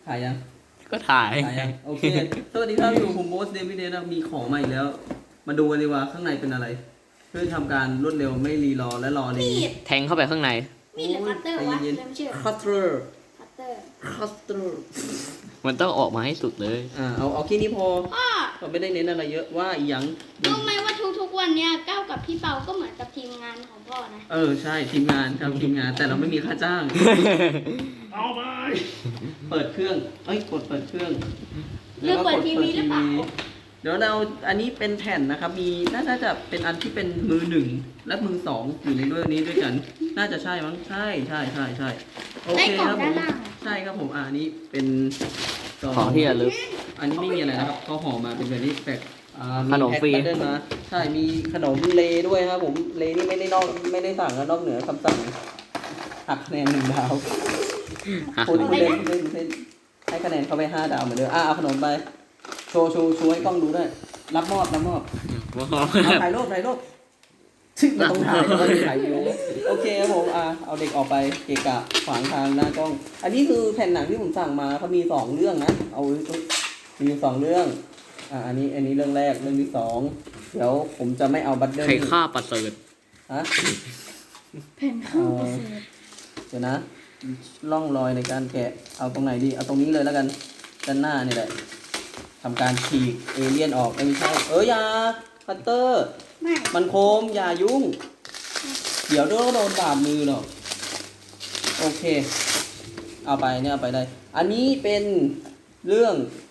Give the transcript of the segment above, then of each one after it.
ถ่ายยังก็ถ่ายถ่ายยังโอเคสวัสดีครับอยู่ผมโบสเดวิดเดนะมีของมาอีกแล้ว มาดูกันดีว่าข้างในเป็นอะไร เพื่อทำการรวดเร็วไม่รีรอและรอดีแทงเข้าไปข้างในมีดหรือคัตเตอร์วะเย็นเริ่มชื่อคัตเตอร์คัตเตอร์คัตเตอร์มันต้องออกมาให้สุดเลยเอาแค่นี้พออ้อเราไม่ได้เน้นอะไรเยอะว่าอีหยังรู้ไหมว่าทุกๆวันเนี้ยก้าวกับพี่เปาก็เหมือนกับทีมงานของพ่อนะใช่ทีมงานครับทีมงานแต่เราไม่มีค่าจ้างเอาไปเปิดเครื่องกดเปิดเครื่องเลือกเปิดทีวีหรือเปล่าเดี๋ยวเราอันนี้เป็นแผ่นนะครับ มีน่าจะเป็นอันที่เป็นมือหนึ่งและมือสองอยู่ในด้วยนี้ด้วยกัน น่าจะใช่มั้งใช่โอเคครับผมใช่ครับผมอันนี้เป็นซของที่ระลึกอันนี้ไม่มีอะไรนะครับเขาห่อมาเป็นแบบนี้แปลกขนมฟรีแพ็คบัตเดิลมาใช่มีขนมเลด้วยครับผมเลนี่ไม่ได้สั่งนะนอกเหนือคำสั่งหักคะแนน1 ดาว พูดเล่นให้คะแนนเขาไป5 ดาวเหมือนเดิมเอาขนมไปโชว์ให้กล้องดูด้วยรับมอบถ่ายรูปซึ่งมันต้องถ่ายแล้วก็ถ่ายอยู่โอเคครับผมเอาเด็กออกไปเกะกะขวางทางหน้ากล้อง อันนี้คือแผ่นหนังที่ผมสั่งมาเขามี2เรื่องนะมี2เรื่องอันนี้เรื่องแรกเรื่องที่2เดี๋ยวผมจะไม่เอาบัตเดิลใครฆ่าประเสริฐฮะแผ่นข้าวเสร็จเดี๋ยวนะร่องรอยในการแกะเอาตรงไหนดีเอาตรงนี้เลยแล้วกันด้านหน้านี่แหละทำการฉีกเอเลี่ยนออกไม่ใช่อย่าคัตเตอร์ไม่มันโคมอย่ายุ่ง เดี๋ยวโดนบาดมือหรอกโอเคเอาไปได้อันนี้เป็นเรื่อง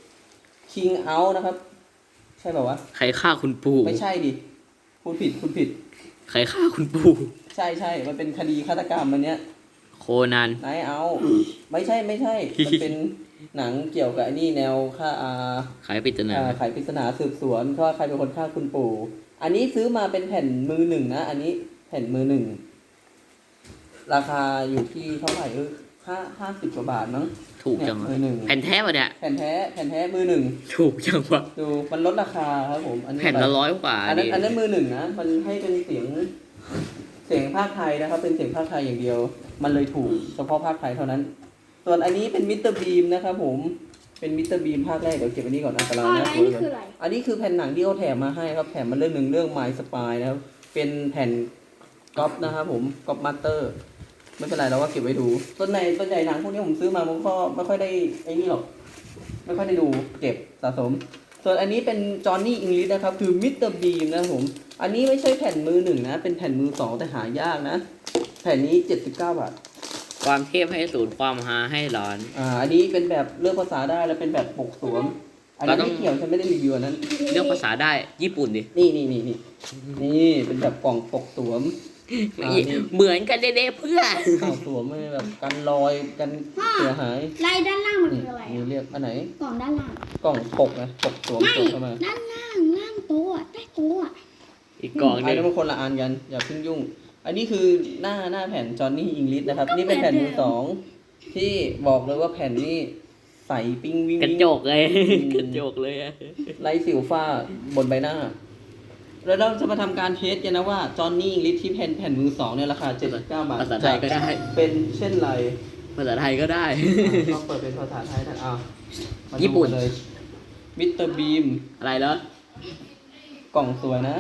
King Out นะครับ ใช่ป่าวะใครฆ่าคุณปู่ไม่ใช่ดิคุณผิดใครฆ่าคุณปู่ใช่มันเป็นคดีฆาตกรรมอันเนี้ยโคนันนายเอาไม่ใช่ มันเป็นหนังเกี่ยวกับไอ้นี่แนวฆ่าใครปริศนาไขปริศนาสืบสวนว่าใครเป็นคนฆ่าคุณปู่ อันนี้ซื้อมาเป็นแผ่นมือหนึ่งนะ อันนี้แผ่นมือหนึ่งราคาอยู่ที่เท่าไหร่50 กว่าบาทมั้งถูกจังวะมือหนึ่งแผ่นแท้ปะเนี่ยแผ่นแท้มือหนึ่งถูกจังวะดูมันลดราคาครับผมอันนี้แผ่นละ100 กว่าอันนั้นดิอันนั้นมือหนึ่งนะมันให้เป็นเสียงภาคไทยนะครับ เป็นเสียงภาคไทยอย่างเดียว มันเลยถูกเฉพาะภาคไทยเท่านั้น ส่วนอันนี้เป็นมิสเตอร์บีมนะครับผมเป็นมิสเตอร์บีมภาคแรกเดี๋ยวเก็บอันนี้ก่อนอันตรายพ่อนะแล้วนี่คืออะไรอันนี้คือแผ่นหนังที่เขาแถมมาให้ครับแถมมาเรื่องหนึ่งเรื่อง My Spy นะครับเป็นแผ่นก๊อปนะครับผมก๊อปมาสเตอร์ไม่เป็นไรเราก็เก็บไว้ดูส่วนใหญ่หนังพวกนี้ผมซื้อมาผมก็ไม่ค่อยได้ไอ้นี่หรอกไม่ค่อยได้ดูเก็บสะสม ส่วนอันนี้เป็นจอห์นนี่อิงลิชนะครับคือมิสเตอร์บีมนะครับผมอันนี้ไม่ใช่แผ่นมือหนึ่งนะเป็นแผ่นมือสองแต่หายากนะแผ่นนี้79 บาทความเทพให้ศูนย์ความฮาให้ร้อนอันนี้เป็นแบบเลือกภาษาได้แล้วเป็นแบบปกสวมอันนั้นเราต้องไม่เกี่ยวฉันไม่ได้รีวิวอันนั้นเลือกภาษาได้ญี่ปุ่นดินี่เป็นแบบกล่องปกสวมนี่เหมือนกันเด้ๆเพื่อนกล่องสวมไม่แบบกันรอยกันเสียหายลายด้านล่างมันนี่คืออะไรนี่อะเรียกอันไหนกล่องด้านล่างกล่องปกนะปกสวมไม่สวมเข้ามาด้านล่างโต๊ะใต้โต๊ะอีกกล่องหอันนึงนี้มันคนละอันกันอย่าเพิ่งยุ่ง อันนี้คือหน้าแผ่นจอห์นนี่อิงลิชนะครับนี่เป็นแผ่นมือสองที่บอกเลยว่าแผ่นนี้ใสปิ้งวิ่งกระจกเลยกระจกเลยอะไร้สิวฝ้าบนใบหน้า แล้วเราจะมาทำการเทสกันนะว่าจอห์นนี่อิงลิชที่แผ่นมือสองเนี่ยราคา79 บาทภาษาไทยก็ได้เป็นเช่นไรภาษาไทยก็ได้ต้องเปิดเป็นภาษาไทยนะมาดูญี่ปุ่นเลยมิสเตอร์บีมอะไรเหรอกล่องสวยนะ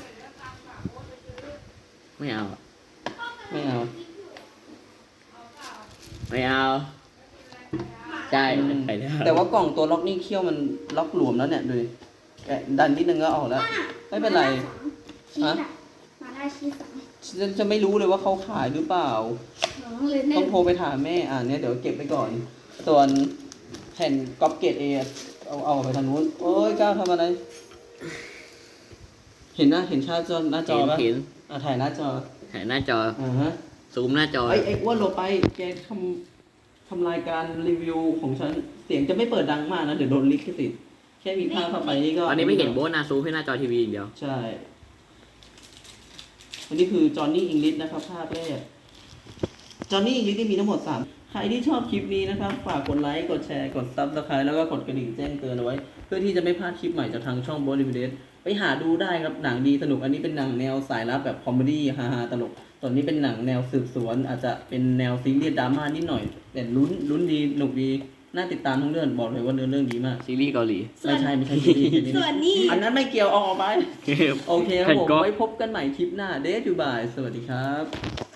ไม่เอาไม่เอาไม่เอาใช่ไปแล้วแต่ว่ากล่องตัวล็อกนี่เขี้ยวมันล็อกหลวมแล้วเนี่ยดูดิแกะดันนิดนึงก็ออกแล้ว ไม่เป็นไรชีสอะมาได้ชีสสองจะไม่รู้เลยว่าเขาขายหรือเปล่าน้องเลยแน่ต้องโทรไปถามแม่เนี่ยเดี๋ยวเก็บไปก่อน ส่วนแผ่นก๊อปเกตเอเอาไปทางนู้นโอ้ยก้าวทำอะไร เห็นชาจอหน้าจอปะเห็นถ่ายหน้าจอถ่ายหน้าจอฮะซูมหน้าจอไอ้อ้วนลงไปแกทำรายการรีวิวของฉันเสียงจะไม่เปิดดังมากนะเดี๋ยวโดนลิขสิทธิ์แค่มีภาพเข้าไปนี่ก็ตอนนี้ไม่เห็นโบสนะซูมให้หน้าจอทีวีอย่างเดียวใช่อันนี้คือจอห์นนี่อิงลิชนะครับภาคแรกจอห์นนี่อิงลิชที่มีทั้งหมด3ใครที่ชอบคลิปนี้นะครับฝากกดไลค์กดแชร์กดซับสไครต์แล้วก็กดกระดิ่งแจ้งเตือนเอาไว้ เพื่อที่จะไม่พลาดคลิปใหม่จากทางช่อง Bollywood ไปหาดูได้ครับหนังดีสนุกอันนี้เป็นหนังแนวสายลับแบบคอมเมดี้ฮาๆตลกตอนนี้เป็นหนังแนวสืบสวนอาจจะเป็นแนวซีเรียสดราม่านิดหน่อยแต่ลุ้นดีสนุกดีน่าติดตามทั้งเรื่องบอกเลยว่าเนื้อเรื่องดีมากซีรีส์เกาหลีไม่ใช่ซีรีส์ส่วนนี้อันนั้นไม่เกี่ยวเอาออกไป โอเคครับผมแผ่นก๊อฟไว้พบกันใหม่คลิปหน้าเดทยูบายสวัสดีครับ